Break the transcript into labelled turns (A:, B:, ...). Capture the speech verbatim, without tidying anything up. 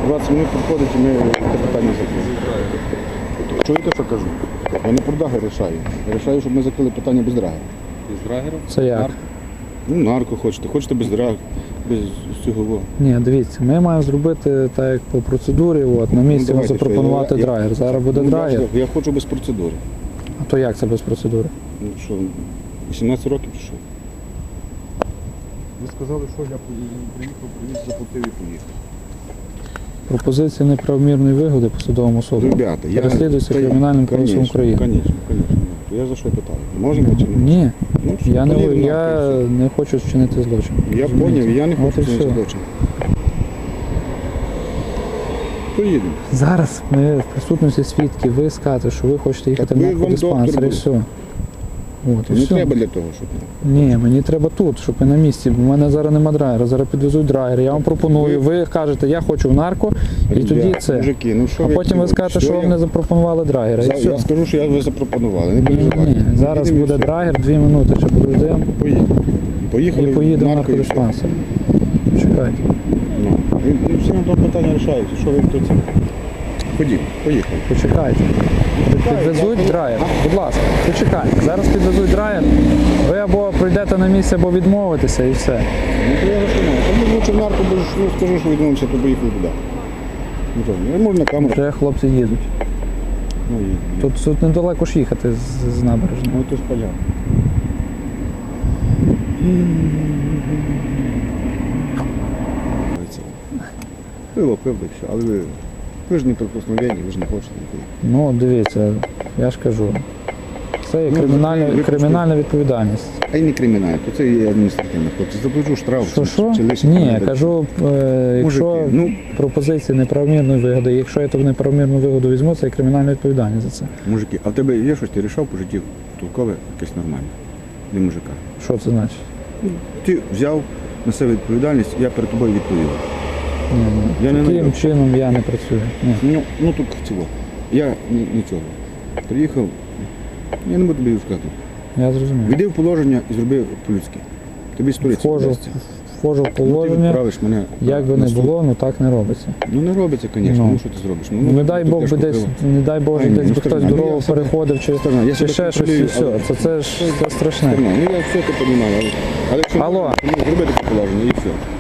A: двадцять хвилин підходить і ми це питання закриємо. Чуєте, що кажу? Я не про драгер рішаю. Я рішаю, щоб ми закрили питання без драгера.
B: Без драгера?
C: Це як?
A: Ну, нарко хочете, хочете без драгера, без цього.
C: Ні, дивіться, ми маємо зробити так, як по процедурі, от, на місці
A: Ну, давайте,
C: запропонувати
A: що, я-
C: драгер. Зараз буде
A: Ну,
C: драгер.
A: Я, я хочу без процедури.
C: А то як це без процедури?
A: Ну що, вісімнадцять років чи що? Ви сказали, що я приїхав, привіз, заплатив і поїхав.
C: Пропозиція неправомірної вигоди посадовому особі.
A: Ребята, я...
C: Переслідується
A: Та я-
C: Кримінальним кодексом
A: Конечно,
C: України.
A: Звісно, звісно. Я за що питаю? Можемо чи не?
C: Ні,
A: Ну, що,
C: я не,
A: полів
C: я
A: нахуй,
C: не хочу вчинити злочин.
A: Я
C: Розумієте?
A: зрозумів, я не
C: От
A: хочу
C: і
A: цього
C: все.
A: злочин. Поїдемо.
C: Зараз ми в присутності свідків, ви скажете, що ви хочете їхати
A: Так
C: в
A: ви вам
C: наркодиспансер і
A: доктор
C: все. От, і
A: Не
C: все.
A: треба для того, щоб...
C: Ні, мені треба тут, щоб ви на місці, бо в мене зараз нема драйвера, зараз підвезуть драйвер, я вам пропоную, ви кажете, я хочу в нарко, і
A: Ребят,
C: тоді це.
A: Мужики, ну що
C: А потім ви
A: хотіли?
C: скажете, що
A: я-
C: вам не запропонували драйвера, і
A: За-
C: все.
A: Я скажу, що я ви запропонували, не
C: Ні,
A: переживайте.
C: ні, зараз
A: Їдемо і
C: буде
A: все.
C: драйвер, дві минути, ще подождемо,
A: Поїдемо. Поїхали
C: і поїдемо в
A: нарко, і все.
C: наркодиспансер. Чекайте.
A: Ну, і, і всі на тому питання рішаються, що ви хто це. Ходімо, поїхали.
C: Почекайте. Підвезуть драйвер. Будь ласка, почекайте. Зараз підвезуть драйвер. Ви або прийдете на місце, або відмовитеся і все.
A: Ну, то я за що маю? Там лучше в нарко, бо ж, ну, скажу, що відмовимося, то поїхали туди. Ну, то, я можу на камеру.
C: Вже хлопці їдуть.
A: Ну, і,
C: Тут, тут недалеко ж їхати з, з набережної.
A: ну, то ж понятно. Пиво, пиво, і все, але ви, ви ж не прикосновенні, ви ж не хочете нікуди.
C: Ну, дивіться, я ж кажу. Це є
A: Ну,
C: кримінальна,
A: ви- ви
C: кримінальна відповідальність.
A: А й не кримінальне, то це є адміністративне, хлопці. Заплачу штраф.
C: Що,
A: чи-
C: що?
A: чи лише
C: Ні,
A: там,
C: кажу, е, якщо
A: Мужики, ну-
C: пропозиції неправомірної вигоди, якщо я ту неправомірну вигоду візьму, це є кримінальна відповідальність за це.
A: Мужики, а в тебе є щось, ти рішав по житті толкове, якесь нормальне? Не мужика.
C: Що це значить?
A: Ти взяв на себе відповідальність, я перед тобою відповів.
C: Ні, ні.
A: Я не
C: Таким
A: знайду.
C: чином я не працюю. Ні.
A: Ну, ну тут цього. Я ні- нічого. Приїхав, я не буду тобі сказати.
C: Я зрозумів.
A: Війди в положення і зроби по-людськи. Тобі сториця
C: Вхожу,
A: вдасться.
C: вхожу в
A: Ну, ти
C: положення,
A: відправиш мене
C: як би
A: на
C: не
A: суд.
C: було, ну так не робиться.
A: Ну не робиться, звісно,
C: Ну.
A: ну що ти зробиш? Ну,
C: Не дай
A: тут
C: Бог би
A: тяжко
C: десь,
A: пиво.
C: не дай Боже,
A: Ай, ні,
C: десь
A: ну,
C: би хтось
A: Стерна, ну,
C: дорогу
A: я себе-
C: переходив чи,
A: Стерна, я
C: чи
A: себе
C: ще щось і
A: контролюю,
C: все.
A: але-
C: Це, це ж це страшне.
A: Стерна, ну я все це розумію, але, але якщо
C: Алло.
A: ну, зробити це положення і все.